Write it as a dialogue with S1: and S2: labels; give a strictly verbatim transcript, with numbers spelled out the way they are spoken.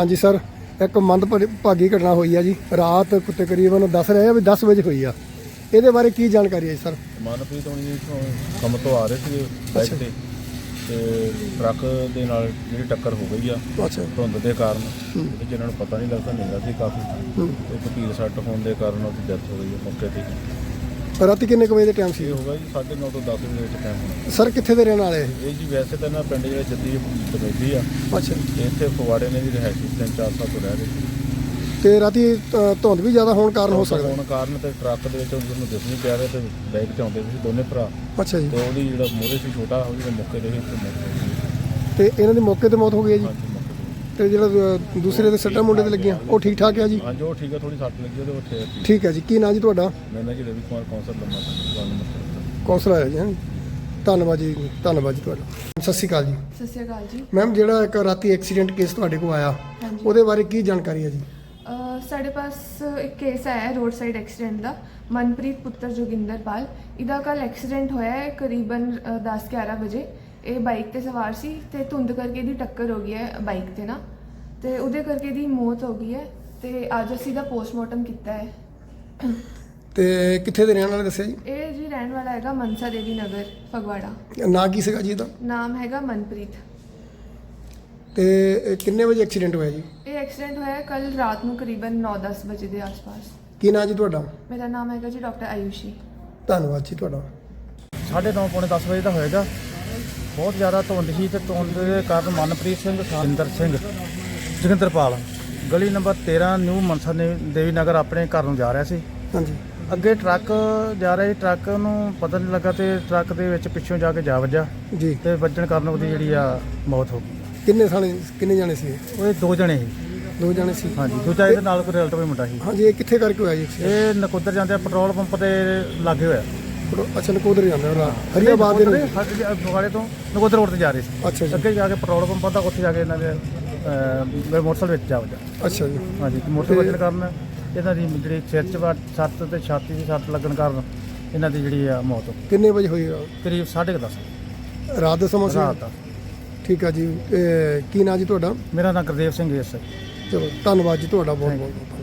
S1: हाँ जी सर, एक मंदभागी घटना हुई है जी रात तकरीबन दस रहे हैं भी दस बजे हुई है, ये बारे की जानकारी है सर?
S2: मनप्रीत होनी जी ਕੰਮ ਤੋਂ ਆ ਰਹੇ ਸੀ ਬਾਈਕ ਤੇ ਤੇ ਟਰੱਕ ਦੇ ਨਾਲ ਜਿਹੜੀ ਟੱਕਰ ਹੋ ਗਈ ਆ
S1: ਅੱਛਾ
S2: ਧੁੰਦ ਦੇ ਕਾਰਨ ਉਹਦੇ ਜਿਹਨਾਂ ਨੂੰ ਪਤਾ ਨਹੀਂ ਲੱਗਦਾ ਹਨੇਰਾ ਸੀ ਕਾਫੀ ਤੇ ਗੰਭੀਰ ਸੱਟ ਹੋਣ ਦੇ ਕਾਰਨ ਉਹਦੀ ਡੈਥ ਹੋ ਗਈ ਮੌਕੇ ਤੇ।
S1: ਰਾਤੀ ਕਿੰਨੇ ਕੁ ਵਜੇ ਦਾ ਟਾਈਮ ਸੀ?
S2: ਇਹ ਹੋਗਾ ਜੀ ਸਾਢੇ ਨੌ ਤੋਂ ਦਸ ਵਜੇ ਦਾ ਟਾਈਮ ਹੋਣਾ।
S1: ਸਰ ਕਿੱਥੇ ਦੇ ਰਹਿਣ ਵਾਲੇ?
S2: ਇਹ ਜੀ ਵੈਸੇ ਤਾਂ ਨਾ ਪਿੰਡ ਜਿਹੜਾ ਜੱਦੀ ਦਮੇਦੀ ਆ
S1: ਅੱਛਾ
S2: ਤੇ ਇੱਥੇ ਫਗਵਾੜੇ ਨੇ ਵੀ ਰਿਹਾਇਸ਼ੀ ਤਿੰਨ ਚਾਰ ਸਾਲ ਤੋਂ ਰਹਿ ਰਹੇ ਸੀ
S1: ਤੇ ਰਾਤੀ ਧੁੰਦ ਵੀ ਜ਼ਿਆਦਾ ਹੋਣ ਕਾਰਨ ਹੋ ਸਕਦਾ
S2: ਹੋਣ ਕਾਰਨ ਤੇ ਟਰੱਕ ਦੇ ਵਿੱਚ ਉਹਨੂੰ ਦਿਸ ਨਹੀਂ ਪਿਆ ਰਿਹਾ ਤੇ ਬਾਈਕ ਤੇ ਆਉਂਦੇ ਸੀ ਦੋਨੇ ਭਰਾ।
S1: ਅੱਛਾ ਜੀ।
S2: ਤੇ ਉਹਦੀ ਜਿਹੜਾ ਮੋਹਰੇ ਸੀ ਛੋਟਾ ਉਹ ਜਿਹੜਾ ਮੌਕੇ ਤੇ ਹੀ
S1: ਤੇ ਇਹਨਾਂ ਦੀ ਮੌਕੇ ਤੇ ਮੌਤ ਹੋ ਗਈ ਹੈ ਜੀ।
S2: ਹਾਂਜੀ ਮੌਕੇ ਤੇ।
S1: ਤੇ ਜਿਹੜਾ ਦੂਸਰੇ ਦੇ ਸੱਟਾਂ ਮੁੰਡੇ ਤੇ ਲੱਗੀਆਂ ਉਹ ਠੀਕ ਠਾਕ ਹੈ ਜੀ?
S2: ਹਾਂਜੀ ਉਹ ਠੀਕ ਹੈ, ਥੋੜੀ ਸੱਟ ਲੱਗੀ ਉਹਦੇ ਉੱਥੇ।
S1: ਠੀਕ ਹੈ ਜੀ। ਕੀ ਨਾਂ ਜੀ ਤੁਹਾਡਾ?
S2: ਮੈਂ ਨਾ ਜੀ ਰਵੀ ਕੁਮਾਰ ਕੌਂਸਲ ਲੰਮਾ ਨੰਬਰ
S1: ਕੌਂਸਲਰ ਹੈ ਜੀ। ਹੈਂ। ਧੰਨਵਾਦ ਜੀ, ਧੰਨਵਾਦ ਜੀ ਤੁਹਾਡਾ। ਸਤਿ ਸ਼੍ਰੀ ਅਕਾਲ ਜੀ।
S3: ਸਤਿ ਸ਼੍ਰੀ ਅਕਾਲ ਜੀ।
S1: ਮੈਮ ਜਿਹੜਾ ਇੱਕ ਰਾਤੀ ਐਕਸੀਡੈਂਟ ਕੇਸ ਤੁਹਾਡੇ ਕੋਲ ਆਇਆ
S3: ਹਾਂਜੀ।
S1: ਉਹਦੇ ਬਾਰੇ ਕੀ ਜਾਣਕਾਰੀ ਹੈ ਜੀ?
S3: ਅਹ ਸਾਡੇ ਪਾਸ ਇੱਕ ਕੇਸ ਆਇਆ ਹੈ ਰੋਡ ਸਾਈਡ ਐਕਸੀਡੈਂਟ ਦਾ। ਮਨਪ੍ਰੀਤ ਪੁੱਤਰ ਜੋਗਿੰਦਰਪਾਲ, ਇਹਦਾ ਕੱਲ ਐਕਸੀਡੈਂਟ ਹੋਇਆ ਹੈ ਕਰੀਬਨ ਦਸ ਗਿਆਰਾਂ ਵਜੇ। ਇਹ ਬਾਈਕ ਤੇ ਸਵਾਰ ਸੀ ਤੇ ਧੁੰਦ ਕਰਕੇ ਇਹਦੀ ਟੱਕਰ ਹੋ ਗਈ ਹੈ ਬਾਈਕ ਤੇ ਨਾ, ਤੇ ਉਹਦੇ ਕਰਕੇ ਇਹਦੀ ਮੌਤ ਹੋ ਗਈ ਹੈ। ਤੇ ਅੱਜ ਅਸੀਂ ਦਾ ਪੋਸਟਮਾਰਟਮ ਕੀਤਾ ਹੈ।
S1: ਤੇ ਕਿੱਥੇ ਦੇ ਰਹਿਣ ਵਾਲੇ ਦੱਸਿਆ ਜੀ?
S3: ਇਹ ਜੀ ਰਹਿਣ ਵਾਲਾ ਹੈਗਾ ਮਨਸਾ ਦੇਵੀ ਨਗਰ ਫਗਵਾੜਾ।
S1: ਨਾਂ ਕੀ ਸੀਗਾ ਜੀ ਇਹਦਾ?
S3: ਨਾਮ ਹੈਗਾ ਮਨਪ੍ਰੀਤ।
S1: ਤੇ ਇਹ ਕਿੰਨੇ ਵਜੇ ਐਕਸੀਡੈਂਟ ਹੋਇਆ ਜੀ?
S3: ਇਹ ਐਕਸੀਡੈਂਟ ਹੋਇਆ ਕੱਲ ਰਾਤ ਨੂੰ ਕਰੀਬਨ ਨੌ ਦਸ ਵਜੇ ਦੇ ਆਸ-ਪਾਸ।
S1: ਕੀ ਨਾਂ ਜੀ ਤੁਹਾਡਾ?
S3: ਮੇਰਾ ਨਾਮ ਹੈਗਾ ਜੀ ਡਾਕਟਰ ਆਯੂਸ਼ੀ।
S1: ਧੰਨਵਾਦ ਜੀ ਤੁਹਾਡਾ।
S4: ਸਾਢੇ ਨੌ ਪੌਣੇ ਦਸ ਵਜੇ ਦਾ ਹੋਏਗਾ। ਬਹੁਤ ਜ਼ਿਆਦਾ ਧੁੰਦ ਸੀ ਤੇ ਧੁੰਦ ਦੇ ਕਾਰਨ ਮਨਪ੍ਰੀਤ ਸਿੰਘ ਸਿੰਦਰ ਸਿੰਘ ਜੋਗਿੰਦਰਪਾਲ ਗਲੀ ਨੰਬਰ ਤੇਰਾਂ ਨਿਊ ਮਨਸਾ ਦੇਵੀ ਨਗਰ ਆਪਣੇ ਘਰ ਨੂੰ ਜਾ ਰਿਹਾ ਸੀ।
S1: ਹਾਂਜੀ।
S4: ਅੱਗੇ ਟਰੱਕ ਜਾ ਰਿਹਾ ਸੀ, ਟਰੱਕ ਨੂੰ ਪਤਾ ਨਹੀਂ ਲੱਗਾ ਤੇ ਟਰੱਕ ਦੇ ਵਿੱਚ ਪਿੱਛੋਂ ਜਾ ਕੇ ਜਾ ਵੱਜਾ
S1: ਜੀ।
S4: ਤੇ ਵੱਜਣ ਕਾਰਨ ਉਹਦੀ ਜਿਹੜੀ ਆ ਮੌਤ ਹੋ ਗਈ।
S1: ਕਿੰਨੇ ਸਾਲੇ ਕਿੰਨੇ ਜਾਣੇ ਸੀ?
S4: ਉਹ ਦੋ ਜਣੇ ਸੀ।
S1: ਦੋ ਜਾਣੇ ਸੀ।
S4: ਹਾਂਜੀ, ਦੂਜਾ ਇਹਦੇ ਨਾਲ ਕੋਈ ਰਿਲੇਟਿਵ ਮੁੰਡਾ ਸੀ।
S1: ਹਾਂਜੀ। ਇਹ ਕਿੱਥੇ ਕਰਕੇ ਹੋਇਆ ਜੀ accident?
S4: ਇਹ ਨਕੋਦਰ ਜਾਂਦੇ ਪੈਟਰੋਲ ਪੰਪ ਤੇ ਲਾਗੇ ਹੋਇਆ।
S1: ਅੱਛਾ ਨਕੋਦਰ ਜਾਂਦਾ ਉਹਦਾ ਹਰੀਆਬਾਦ ਦੇ ਨੂੰ।
S4: ਫਗਵਾੜੇ ਤੋਂ ਨਕੋਦਰ ਰੋਡ ਤੇ ਜਾ ਰਹੇ ਸੀ।
S1: ਅੱਛਾ ਜੀ।
S4: ਅੱਗੇ ਜਾ ਕੇ ਪੈਟਰੋਲ ਪੰਪ ਦਾ ਉੱਥੇ ਜਾ ਕੇ ਇਹਨਾਂ ਦੇ ਅਹ, ਮੋਟਰਸਾਈਕਲ ਵਿੱਚ ਜਾ ਵੱਜਾ।
S1: ਅੱਛਾ ਜੀ।
S4: ਹਾਂਜੀ, ਮੋਟਰਸਾਈਕਲ ਵੱਜਣ ਕਾਰਨ ਇਹਨਾਂ ਦੀ ਜਿਹੜੀ ਸਿਰ 'ਚ ਵੱਟ ਸੱਟ ਤੇ ਛਾਤੀ 'ਚ ਸੱਟ ਲੱਗਣ ਕਾਰਨ ਇਹਨਾਂ ਦੀ ਜਿਹੜੀ ਆ ਮੌਤ ਹੋ ਗਈ।
S1: ਕਿੰਨੇ ਵਜੇ ਹੋਈ ਆ?
S4: ਕਰੀਬ ਸਾਢੇ ਕੁ ਦਸ
S1: ਰਾਤ ਦਾ ਸਮਾਂ ਸੀ?
S4: ਰਾਤ ਦਾ।
S1: ਠੀਕ ਆ ਜੀ। ਇਹ ਕੀ ਨਾਂ ਜੀ ਤੁਹਾਡਾ?
S4: ਮੇਰਾ ਨਾਮ ਗੁਰਦੇਵ ਸਿੰਘ ਐਸ।
S1: ਚਲੋ ਧੰਨਵਾਦ ਜੀ ਤੁਹਾਡਾ ਬਹੁਤ ਬਹੁਤ।